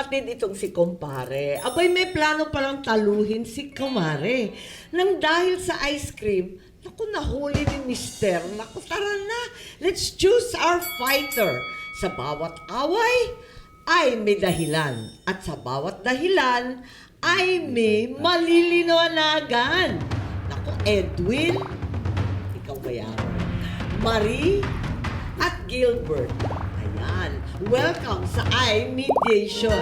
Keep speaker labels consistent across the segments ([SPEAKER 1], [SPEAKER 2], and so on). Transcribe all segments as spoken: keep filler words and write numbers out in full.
[SPEAKER 1] magkapatid itong si kumpare. Abay, may plano palang taluhin si kumare. Nang dahil sa ice cream, naku, nahuli ni mister. Naku, tara na. Let's choose our fighter. Sa bawat away, ay may dahilan. At sa bawat dahilan, ay may malilinawagan. Naku, Edwin, ikaw ba yan? Marie at Gilbert. Ayan. Welcome sa iMediation.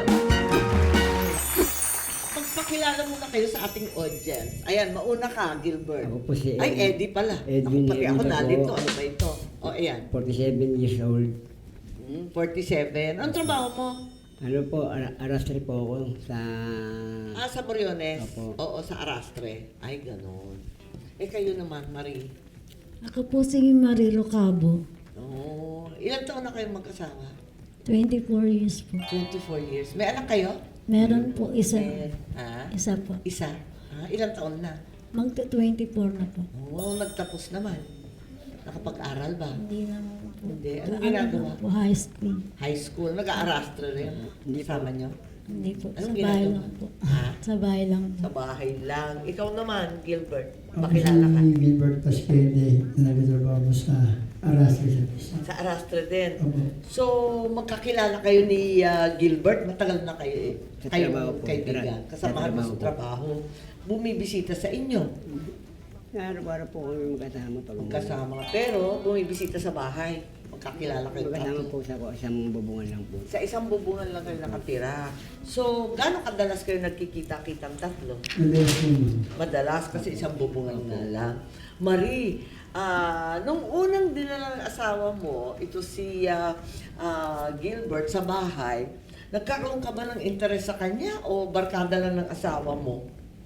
[SPEAKER 1] Magpakilala muna kayo sa ating audience. Ayan, mauna ka, Gilbert.
[SPEAKER 2] Ako po si
[SPEAKER 1] Ay,
[SPEAKER 2] Ed-
[SPEAKER 1] Eddie pala.
[SPEAKER 2] Edwin
[SPEAKER 1] Ako, pati ako
[SPEAKER 2] Edwin
[SPEAKER 1] nalito.
[SPEAKER 2] ako.
[SPEAKER 1] Ano ba ito? O, ayan.
[SPEAKER 2] forty-seven years old.
[SPEAKER 1] Hmm, forty-seven. Anong trabaho mo?
[SPEAKER 2] Ano po, ar- arastre po ako sa...
[SPEAKER 1] Ah, sa Moriones?
[SPEAKER 2] Opo.
[SPEAKER 1] Oo, sa Arastre. Ay, ganun. Eh, kayo naman, Marie.
[SPEAKER 3] Ako po si Marilo Cabo,
[SPEAKER 1] Oo. Ilang taon na kayong magkasama?
[SPEAKER 3] twenty-four years po.
[SPEAKER 1] twenty-four years. May anak kayo?
[SPEAKER 3] Meron po isa,
[SPEAKER 1] Eh, ha?
[SPEAKER 3] isa po.
[SPEAKER 1] Isa? Ah, ilang taon na?
[SPEAKER 3] Magta-twenty-four na po.
[SPEAKER 1] Oo, nagtapos naman. Nakapag-aral ba?
[SPEAKER 3] Hindi naman po.
[SPEAKER 1] Hindi. Anong
[SPEAKER 3] Ano
[SPEAKER 1] ginagawa?
[SPEAKER 3] lang po, high school.
[SPEAKER 1] High school. Nag-aarastre rin.
[SPEAKER 2] Hindi pa.
[SPEAKER 1] Sama nyo?
[SPEAKER 3] Hindi po,
[SPEAKER 1] Anong
[SPEAKER 3] sa bahay
[SPEAKER 1] ginagawa?
[SPEAKER 3] lang po.
[SPEAKER 1] Ha?
[SPEAKER 3] Sa bahay lang po.
[SPEAKER 1] Sa bahay lang. Ikaw naman, Gilbert.
[SPEAKER 4] Ako
[SPEAKER 1] Pakilala ka.
[SPEAKER 4] si Gilbert Pasquede na nagtatrabaho sa Arastre sa Pisa.
[SPEAKER 1] Sa Arastre din.
[SPEAKER 4] Opo.
[SPEAKER 1] So, magkakilala kayo ni ah, Gilbert. Matagal na kayo eh.
[SPEAKER 2] Sa
[SPEAKER 1] Kayo
[SPEAKER 2] trabaho po.
[SPEAKER 1] kaibigan.
[SPEAKER 2] Sa
[SPEAKER 1] Kasamahan mo
[SPEAKER 2] trabaho
[SPEAKER 1] sa
[SPEAKER 2] po.
[SPEAKER 1] trabaho. Bumibisita sa inyo.
[SPEAKER 2] Araw-araw po kami magkasama pag
[SPEAKER 1] Magkasama. Pero, bumibisita sa bahay. Magkakilala kayo.
[SPEAKER 2] Magkasama
[SPEAKER 1] tatlo.
[SPEAKER 2] po sa isang bubungan lang po.
[SPEAKER 1] Sa isang bubungan lang kayo nakatira. So, gaano kadalas kayo nagkikita-kitang tatlo?
[SPEAKER 4] Madalas po yun.
[SPEAKER 1] Madalas kasi isang bubungan nga lang. Marie, ah, nung unang dinala ng asawa mo, ito si ah, ah, Gilbert sa bahay, nagkaroon ka ba ng interes sa kanya o barkada lang ng asawa mo?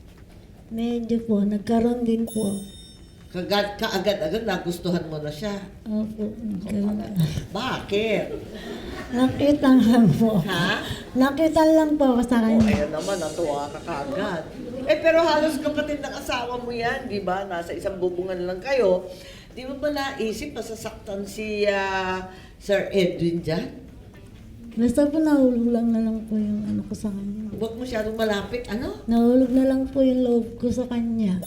[SPEAKER 3] Medyo po, nagkaroon din po.
[SPEAKER 1] Kagad, kaagad-agad nagustuhan mo na siya.
[SPEAKER 3] Opo, nagkaroon.
[SPEAKER 1] Bakit?
[SPEAKER 3] Nakita lang po.
[SPEAKER 1] Ha?
[SPEAKER 3] Nakita lang po ako sa
[SPEAKER 1] O,
[SPEAKER 3] kanya.
[SPEAKER 1] ayan naman, natuwa ka kaagad. Eh, pero halos kapatid ng asawa mo yan, di ba? Nasa isang bubungan lang kayo. Di mo ba naisip, masasaktan si ah, Sir Edwin dyan?
[SPEAKER 3] Basta po nahulog lang na lang po yung ano ko sa kanya.
[SPEAKER 1] Huwag masyadong malapit, ano?
[SPEAKER 3] Nahulog na lang po yung loob ko sa kanya.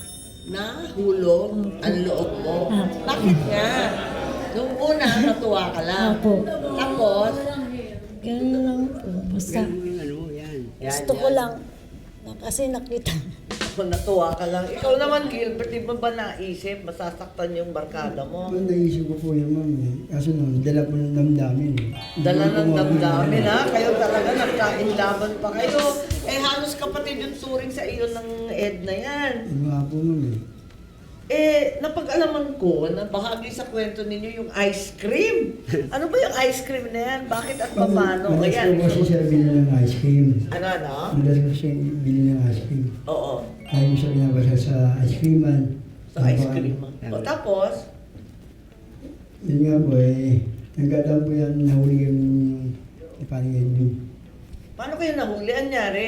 [SPEAKER 1] Nahulog ang loob mo.
[SPEAKER 3] Ah.
[SPEAKER 1] Bakit nga? Nung una, natuwa ka lang.
[SPEAKER 3] Opo.
[SPEAKER 1] Tapos,
[SPEAKER 3] Ganun lang po. Basta
[SPEAKER 2] Ganun yung ano, yan.
[SPEAKER 1] yan,
[SPEAKER 3] gusto ko
[SPEAKER 1] yan.
[SPEAKER 3] lang. na- Kasi nakita.
[SPEAKER 1] Kung natuwa ka lang. Ikaw naman, Gilbert, di ba ba naisip, masasaktan yung barkada mo?
[SPEAKER 4] Ang naisip ko po yun, ma'am. Eh. Kaso nung dala po ng damdamin. eh.
[SPEAKER 1] Dala
[SPEAKER 4] Hindi ko
[SPEAKER 1] ng
[SPEAKER 4] po
[SPEAKER 1] damdamin,
[SPEAKER 4] mabigyan.
[SPEAKER 1] ha? Kayo talaga, nagkainlaban pa kayo. Eh, halos kapatid yung turing sa iyo ng Ed na yan.
[SPEAKER 4] Yun nga po, ma'am. Eh.
[SPEAKER 1] Eh, napag-alaman ko na bahagi sa kwento ninyo yung ice cream. Ano ba yung ice cream na yan? Bakit at paano?
[SPEAKER 4] Madalas
[SPEAKER 1] Ayan.
[SPEAKER 4] ko po siya bili ng ice cream.
[SPEAKER 1] Ano, ano?
[SPEAKER 4] Madalas ko siya bili ng ice cream.
[SPEAKER 1] Oo.
[SPEAKER 4] Kaya ko siya binabasa sa ice creaman.
[SPEAKER 1] Sa ice cream. O, tapos,
[SPEAKER 4] Yun nga po eh. Nagkataon po yan, nahuli yung iparing Edwin.
[SPEAKER 1] paano kayo nahuli? Anyari?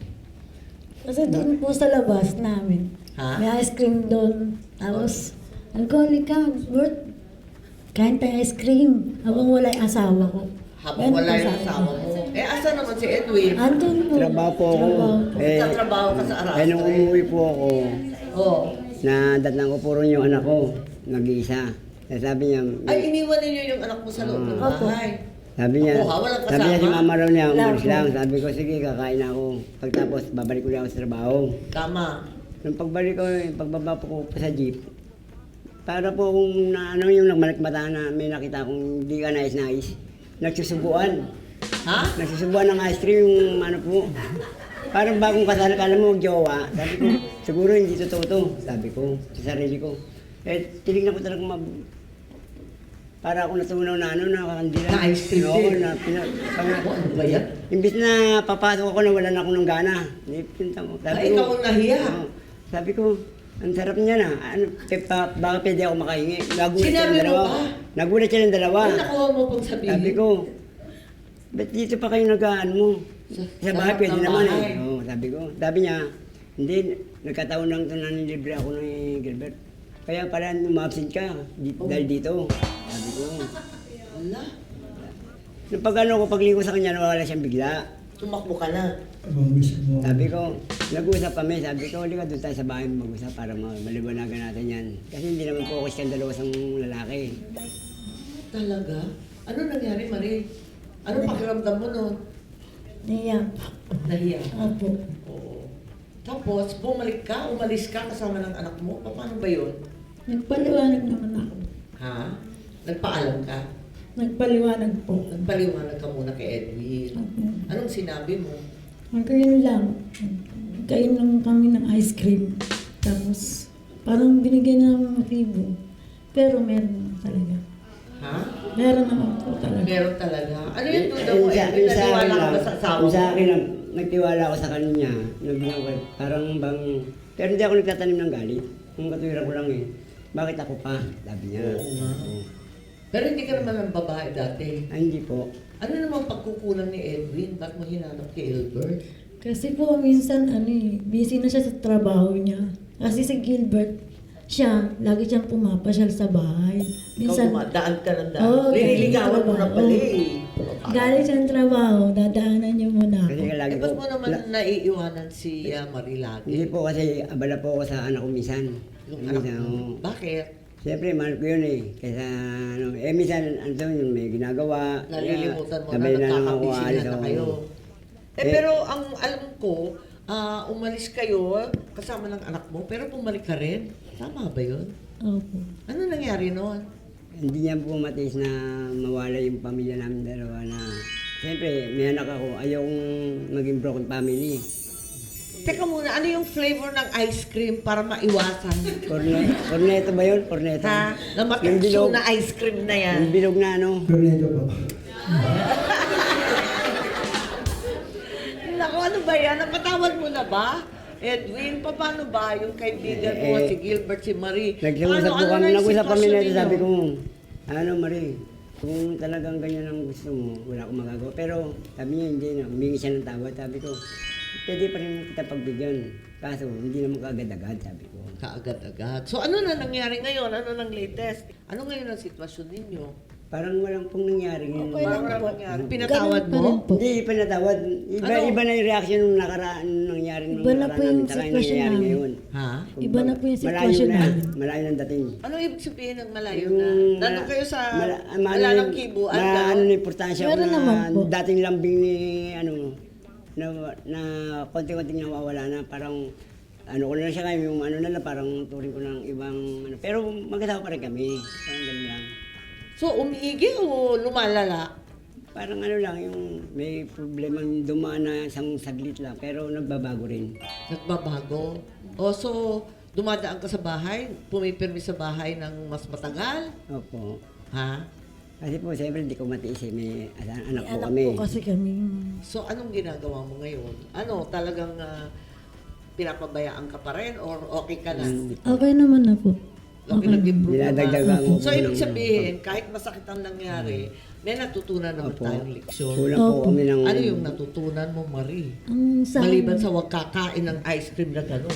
[SPEAKER 3] Kasi doon po sa labas namin.
[SPEAKER 1] Ha?
[SPEAKER 3] May ice cream doon. Tapos, alcoholic ka, Bert. Kain tayo ice cream. Habang wala yung asawa ko.
[SPEAKER 1] Habang
[SPEAKER 3] Ganun
[SPEAKER 1] wala
[SPEAKER 3] po
[SPEAKER 1] yung
[SPEAKER 3] sa akin.
[SPEAKER 1] asawa mo. Eh, asa naman si Edwin?
[SPEAKER 3] Andun po.
[SPEAKER 2] Trabaho po ako.
[SPEAKER 3] Trabaho po.
[SPEAKER 2] Eh,
[SPEAKER 1] Nagtatrabaho ka sa Arastre?
[SPEAKER 2] eh, nung umuwi po ako,
[SPEAKER 1] Oo.
[SPEAKER 2] na datnan ko po rin yung anak ko, nag-iisa. Eh, sabi niya,
[SPEAKER 1] Ay, iniwan ninyo yung anak mo sa loob ng
[SPEAKER 3] Opo.
[SPEAKER 1] bahay.
[SPEAKER 2] sabi niya,
[SPEAKER 1] Opo, ha? Walang
[SPEAKER 2] sabi niya si
[SPEAKER 1] kasama?
[SPEAKER 2] mama raw niya,
[SPEAKER 3] Wala
[SPEAKER 2] umalis
[SPEAKER 3] po.
[SPEAKER 2] lang. Sabi ko, sige, kakain na ako. Pagtapos, babalik ulit ako sa trabaho.
[SPEAKER 1] Tama.
[SPEAKER 2] Nung pagbalik ko, yung pagbaba po ko pa sa jeep, para po kung na, ano yung nagmalikmata na may nakita kong di ka nais-nais, nagsusubuan.
[SPEAKER 1] Ha?
[SPEAKER 2] Nagsusubuan ng ice cream yung ano po. Parang bagong kasal, kala mo jowa. Sabi ko, siguro hindi totoo to. Sabi ko, sa sarili ko. Eh, tinignan ko talaga mab... Para ako natunaw na ano, nakakandila.
[SPEAKER 1] Na ice cream
[SPEAKER 2] Oo,
[SPEAKER 1] din?
[SPEAKER 2] na pina...
[SPEAKER 1] Ako, ano ba yan?
[SPEAKER 2] Imbis na papasok ako na wala na akong ng gana. Eh, pinta mo.
[SPEAKER 1] Ay, ikaw ang nahiya.
[SPEAKER 2] Oo. Sabi ko, ang sarap niya na. Ano, pe, pa, baka pwede ako makahingi. Nagulat
[SPEAKER 1] Sinabi
[SPEAKER 2] silang
[SPEAKER 1] mo
[SPEAKER 2] dalawa.
[SPEAKER 1] ba?
[SPEAKER 2] Nagulat silang dalawa.
[SPEAKER 1] Ano nakuha mo pang sabihin?
[SPEAKER 2] Sabi ko, ba't dito pa kayo nag-aan mo?
[SPEAKER 1] Sa-
[SPEAKER 2] Sa
[SPEAKER 1] sa
[SPEAKER 2] bahay
[SPEAKER 1] harap
[SPEAKER 2] pwede
[SPEAKER 1] ng
[SPEAKER 2] naman
[SPEAKER 1] bahay.
[SPEAKER 2] eh. Oo, sabi ko. Sabi niya, hindi, nagkataon lang ito na nilibre ako ni Gilbert. Kaya pala umabsent ka di,
[SPEAKER 1] Oh.
[SPEAKER 2] dahil dito. Sabi ko.
[SPEAKER 1] Wala.
[SPEAKER 2] Nung pag ano ko, pagligo sa kanya, nawala siyang bigla.
[SPEAKER 1] tumakbo ka na.
[SPEAKER 4] Abang gusto mo.
[SPEAKER 2] Sabi ko, nag-usap kami, sabi ko, halika doon tayo sa bahay mag-usap para ma- maliwanagan natin yan. Kasi hindi naman po ako skandalosang lalaki.
[SPEAKER 1] Talaga? Ano nangyari, Marie? Ano pakiramdam mo noon?
[SPEAKER 3] Niya.
[SPEAKER 1] Nahiya.
[SPEAKER 3] Opo.
[SPEAKER 1] Oo. Tapos, bumalik ka, umalis ka kasama ng anak mo? Paano ba yun?
[SPEAKER 3] Nagpaliwanag naman ako.
[SPEAKER 1] Ha? Nagpaalam ka?
[SPEAKER 3] Nagpaliwanag po.
[SPEAKER 1] Nagpaliwanag ka muna kay Edwin.
[SPEAKER 3] Opo.
[SPEAKER 1] Anong sinabi mo?
[SPEAKER 3] Magkain lang. Kain lang kami ng ice cream. Tapos, parang binigyan na ng motibo. Pero meron naman talaga.
[SPEAKER 1] Ha?
[SPEAKER 3] Meron naman po talaga.
[SPEAKER 1] Meron talaga. Ano yung duda mo,
[SPEAKER 2] Yung sa-
[SPEAKER 1] Edwin?
[SPEAKER 2] yung sa akin
[SPEAKER 1] Naniwala ka
[SPEAKER 2] lang,
[SPEAKER 1] ba sa asawa
[SPEAKER 2] yung
[SPEAKER 1] mo?
[SPEAKER 2] sa akin lang, nagtiwala ako sa kanya. Nabigyan ko, parang bang, pero hindi ako nagtatanim ng galit. Kung katuwiran ko lang eh. Bakit ako pa? Sabi niya.
[SPEAKER 1] Oo nga.
[SPEAKER 2] Oo.
[SPEAKER 1] Pero hindi ka naman ang babae dati.
[SPEAKER 2] Ay, hindi po.
[SPEAKER 1] Ano namang pagkukulang ni Edwin? Ba't mo hinanap kay Gilbert?
[SPEAKER 3] Kasi po minsan ano eh, busy na siya sa trabaho niya. Kasi si Gilbert, siya, lagi siyang pumapasyal sa bahay.
[SPEAKER 1] Ikaw dumadaan ka ng daan.
[SPEAKER 3] Oo,
[SPEAKER 1] Lililigawan mo na
[SPEAKER 3] trabaho.
[SPEAKER 1] pala eh.
[SPEAKER 3] Galing siyang trabaho, dadaanan niyo muna
[SPEAKER 2] Kasi
[SPEAKER 3] ako.
[SPEAKER 2] nga lagi
[SPEAKER 1] Eh,
[SPEAKER 2] po.
[SPEAKER 1] ba't mo naman
[SPEAKER 2] la-
[SPEAKER 1] naiiwanan si uh, Marie
[SPEAKER 2] Hindi
[SPEAKER 1] lagi?
[SPEAKER 2] po kasi abala po ako sa anak ko minsan.
[SPEAKER 1] Yung anak
[SPEAKER 2] Minsan,
[SPEAKER 1] mo.
[SPEAKER 2] oo.
[SPEAKER 1] Bakit?
[SPEAKER 2] Siyempre, mahal ko yun eh. Kaysa, ano, eh, minsan, ano to, yung may ginagawa.
[SPEAKER 1] Nalilimutan mo na,
[SPEAKER 2] sabay lang ako
[SPEAKER 1] nagkakabisi
[SPEAKER 2] aalis
[SPEAKER 1] na
[SPEAKER 2] ako.
[SPEAKER 1] kayo. Eh,
[SPEAKER 2] Eh,
[SPEAKER 1] pero ang alam ko, ah, umalis kayo kasama ng anak mo, pero bumalik ka rin. Tama ba yun?
[SPEAKER 3] Opo.
[SPEAKER 1] Ano nangyari noon?
[SPEAKER 2] Hindi niya po matiis na mawala yung pamilya namin dalawa na, siyempre, may anak ako, ayokong maging broken family.
[SPEAKER 1] Teka muna, ano yung flavor ng ice cream para maiwasan?
[SPEAKER 2] Corne, corneto ba yun? Corneto.
[SPEAKER 1] Ha? Na
[SPEAKER 2] Yung
[SPEAKER 1] matatsu
[SPEAKER 2] bilog.
[SPEAKER 1] na ice cream na yan.
[SPEAKER 2] Yung bilog na ano.
[SPEAKER 4] Tornado po.
[SPEAKER 1] Naku, ano ba yan? Napatawad mo na ba? Edwin, pa- paano ba yung kaibigan mo,
[SPEAKER 2] Eh,
[SPEAKER 1] si Gilbert, si Marie?
[SPEAKER 2] Nag-usap
[SPEAKER 1] Ano-
[SPEAKER 2] po
[SPEAKER 1] ano
[SPEAKER 2] kami,
[SPEAKER 1] na yung
[SPEAKER 2] nag-usap kami
[SPEAKER 1] sitwasyon
[SPEAKER 2] nito,
[SPEAKER 1] ninyo?
[SPEAKER 2] sabi ko, ano Marie, kung talagang ganyan ang gusto mo, wala akong magagawa. Pero sabi niya, hindi na, humingi siya ng tawad, sabi ko, pwede pa rin kita pagbigyan. Kaso, hindi naman kaagad-agad, sabi ko.
[SPEAKER 1] Kaagad-agad. So ano na nangyari ngayon? Ano nang latest? Ano ngayon ang sitwasyon ninyo?
[SPEAKER 2] Parang walang pong nangyari ngayon.
[SPEAKER 3] Okay lang
[SPEAKER 1] Parang
[SPEAKER 3] po.
[SPEAKER 1] nangyari. Pinatawad
[SPEAKER 3] Ganun pa rin
[SPEAKER 1] mo?
[SPEAKER 3] po.
[SPEAKER 2] Hindi, pa natawad. Iba,
[SPEAKER 1] Ano?
[SPEAKER 2] iba na yung reaction nung nakaraan, nung nangyari nung
[SPEAKER 3] Iba na
[SPEAKER 2] nakaraan
[SPEAKER 3] po yung
[SPEAKER 2] namin, saka yung
[SPEAKER 3] sitwasyon
[SPEAKER 2] nangyayari
[SPEAKER 3] namin.
[SPEAKER 2] ngayon.
[SPEAKER 1] Ha?
[SPEAKER 3] Iba na po yung
[SPEAKER 2] Malayo
[SPEAKER 3] sitwasyon
[SPEAKER 2] na,
[SPEAKER 3] namin.
[SPEAKER 2] malayo ng dating.
[SPEAKER 1] Ano ibig sabihin ng malayo
[SPEAKER 2] Yung,
[SPEAKER 1] na? Nandun
[SPEAKER 2] mala-
[SPEAKER 1] kayo sa
[SPEAKER 2] mala- ah,
[SPEAKER 1] wala
[SPEAKER 2] ano
[SPEAKER 1] ng
[SPEAKER 2] yung-
[SPEAKER 1] kibuan
[SPEAKER 2] ma-
[SPEAKER 1] ka?
[SPEAKER 2] ano na importansya
[SPEAKER 3] Meron
[SPEAKER 2] na
[SPEAKER 3] naman po.
[SPEAKER 2] dating lambing ni, ano, na, na konti-konting nawawala na, parang, ano ko na lang siya kayo, yung ano na lang, parang turing ko ng ibang, ano, pero magkasama pa rin kami, parang ganun lang.
[SPEAKER 1] So umiigi o lumalala?
[SPEAKER 2] Parang ano lang, yung may problema dumaan na isang saglit lang, pero nagbabago rin.
[SPEAKER 1] Nagbabago? O so, dumadaan ka sa bahay, pumipirmi sa bahay ng mas matagal?
[SPEAKER 2] Opo.
[SPEAKER 1] Ha?
[SPEAKER 2] Kasi po, siyempre, hindi ko matiis eh. May anak, anak po
[SPEAKER 3] Anak
[SPEAKER 2] kami.
[SPEAKER 3] po kasi kami.
[SPEAKER 1] So anong ginagawa mo ngayon? Ano, talagang ah, pinapabayaan ka pa rin or okay ka na?
[SPEAKER 2] Hmm.
[SPEAKER 3] Okay naman na po.
[SPEAKER 1] Okay, nag-improve
[SPEAKER 2] Dinadagdagan
[SPEAKER 1] naman.
[SPEAKER 2] ko
[SPEAKER 1] So
[SPEAKER 2] po
[SPEAKER 1] ibig
[SPEAKER 2] ng-
[SPEAKER 1] sabihin, kahit masakit ang nangyari, may natutunan naman
[SPEAKER 2] Opo.
[SPEAKER 1] tayong leksyon.
[SPEAKER 2] Kulang po
[SPEAKER 3] Opo.
[SPEAKER 2] kami ng...
[SPEAKER 1] Ano yung natutunan mo, Marie?
[SPEAKER 3] Ang sa
[SPEAKER 1] Maliban sa wag kakain ng ice cream na gano'n.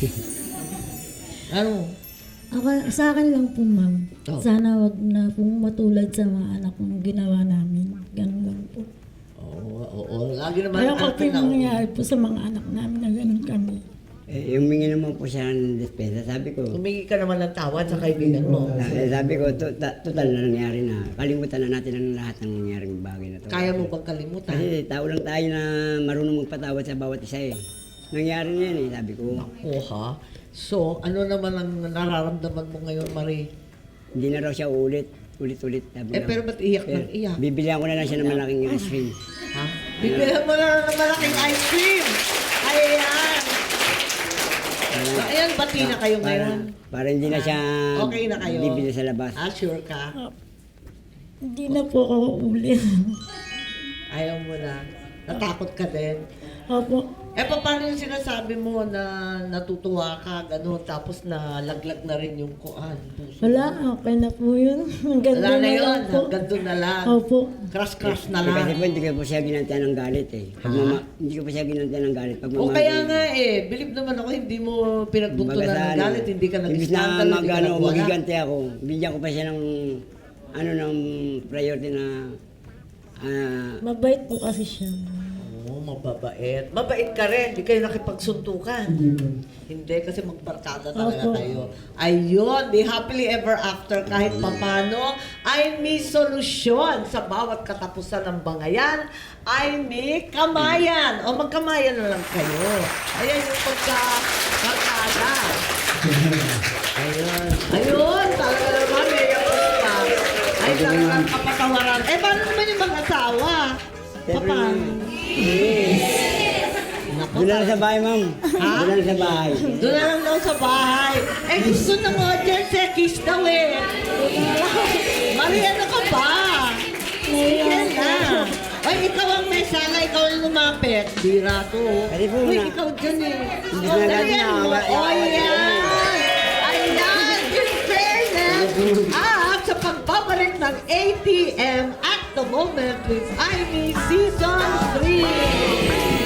[SPEAKER 1] Ano?
[SPEAKER 3] Ako, sa akin lang po, ma'am.
[SPEAKER 1] Oh.
[SPEAKER 3] Sana wag na pong matulad sa mga anak kong ginawa namin. Ganun lang po.
[SPEAKER 1] Oo, oo. Lagi naman
[SPEAKER 3] Ayaw ko po
[SPEAKER 1] akin
[SPEAKER 3] yung
[SPEAKER 1] na.
[SPEAKER 3] nangyayari po sa mga anak namin na ganun kami.
[SPEAKER 2] Eh, humingi naman po siya ng despensa. Sabi ko,
[SPEAKER 1] Humingi ka naman ng tawad sa kaibigan mo.
[SPEAKER 2] eh, sabi ko, to- ta- total na nangyari na. Kalimutan na natin ang lahat ng nangyaring bagay na to.
[SPEAKER 1] Kaya mo bang kalimutan?
[SPEAKER 2] Kasi tao lang tayo na marunong magpatawad sa bawat isa eh. Nangyari na yan eh, sabi ko.
[SPEAKER 1] Oo ha? So, ano naman ang nararamdaman mo ngayon, Marie?
[SPEAKER 2] Hindi na raw siya ulit. Ulit-ulit. Sabi
[SPEAKER 1] Eh,
[SPEAKER 2] lang.
[SPEAKER 1] pero ba't iyak
[SPEAKER 2] Eh,
[SPEAKER 1] ng iyak?
[SPEAKER 2] Bibilihan ko na lang siya ng malaking ice cream.
[SPEAKER 1] Ha? Bibilan mo na ng malaking ice cream! Ayan! So, ayan, bati na kayo
[SPEAKER 2] Para,
[SPEAKER 1] ngayon.
[SPEAKER 2] para hindi na siya
[SPEAKER 1] Okay na kayo?
[SPEAKER 2] bibili sa labas.
[SPEAKER 1] Ah, sure ka?
[SPEAKER 3] Hindi na po ako uulit.
[SPEAKER 1] Ayaw mo na. Natakot ka din.
[SPEAKER 3] Opo.
[SPEAKER 1] Eh, pa- paano yung sinasabi mo na natutuwa ka, gano'n, tapos na laglag na rin yung kuan? puso?
[SPEAKER 3] Wala, okay na po yun. Hanggang
[SPEAKER 1] Wala
[SPEAKER 3] doon
[SPEAKER 1] na
[SPEAKER 3] na
[SPEAKER 1] yun,
[SPEAKER 3] lang po.
[SPEAKER 1] hanggang doon na lang.
[SPEAKER 3] Opo.
[SPEAKER 1] Crush-crush na
[SPEAKER 2] Eh, kasi
[SPEAKER 1] lang.
[SPEAKER 2] po hindi ko po siya ginantian ng galit eh. Pag
[SPEAKER 1] Ha?
[SPEAKER 2] mama, hindi ko po siya ginantian ng galit. Pag
[SPEAKER 1] O kaya nga eh, believe naman ako, hindi mo pinagbuntunan ng galit, hindi ka
[SPEAKER 2] Imbis
[SPEAKER 1] nag-scandal,
[SPEAKER 2] na
[SPEAKER 1] hindi
[SPEAKER 2] mag,
[SPEAKER 1] ka
[SPEAKER 2] ano,
[SPEAKER 1] nagwala.
[SPEAKER 2] magiganti ako, bigyan ko pa siya ng, ano, ng priority na, ah,
[SPEAKER 3] Mabait po kasi siya.
[SPEAKER 1] Oo, mababait. Mabait ka rin, di kayo nakipagsuntukan.
[SPEAKER 4] Hindi po.
[SPEAKER 1] Hindi, kasi magbarkada talaga
[SPEAKER 3] Opo.
[SPEAKER 1] kayo. Ayun, di happily ever after kahit papano ay may solusyon sa bawat katapusan ng bangayan, ay may kamayan. O magkamayan na lang kayo. Ayan yung pagkakarkada. Ayun. Ayun, talaga naman, may pa. Ay, talagang kapatawaran. Eh, paano naman yung mag-asawa? Paano? Naku,
[SPEAKER 2] Doon na lang sa bahay, ma'am.
[SPEAKER 1] Ha?
[SPEAKER 2] Doon na lang sa bahay.
[SPEAKER 1] doon na lang daw sa bahay. Eh, gusto ng audience eh, kiss daw eh. Maria, ano ka ba? Yan na. Ay, ikaw ang may sana, ikaw ang lumapit. Bira to.
[SPEAKER 2] Kasi po
[SPEAKER 1] Uy,
[SPEAKER 2] na-
[SPEAKER 1] ikaw dyan eh.
[SPEAKER 2] Hindi
[SPEAKER 1] Oh,
[SPEAKER 2] na natin
[SPEAKER 1] dalian mo.
[SPEAKER 2] na-
[SPEAKER 1] Oh, yan. Ayan, in fairness. At sa pagbabalik ng A T M at the moment with Ivy Season three.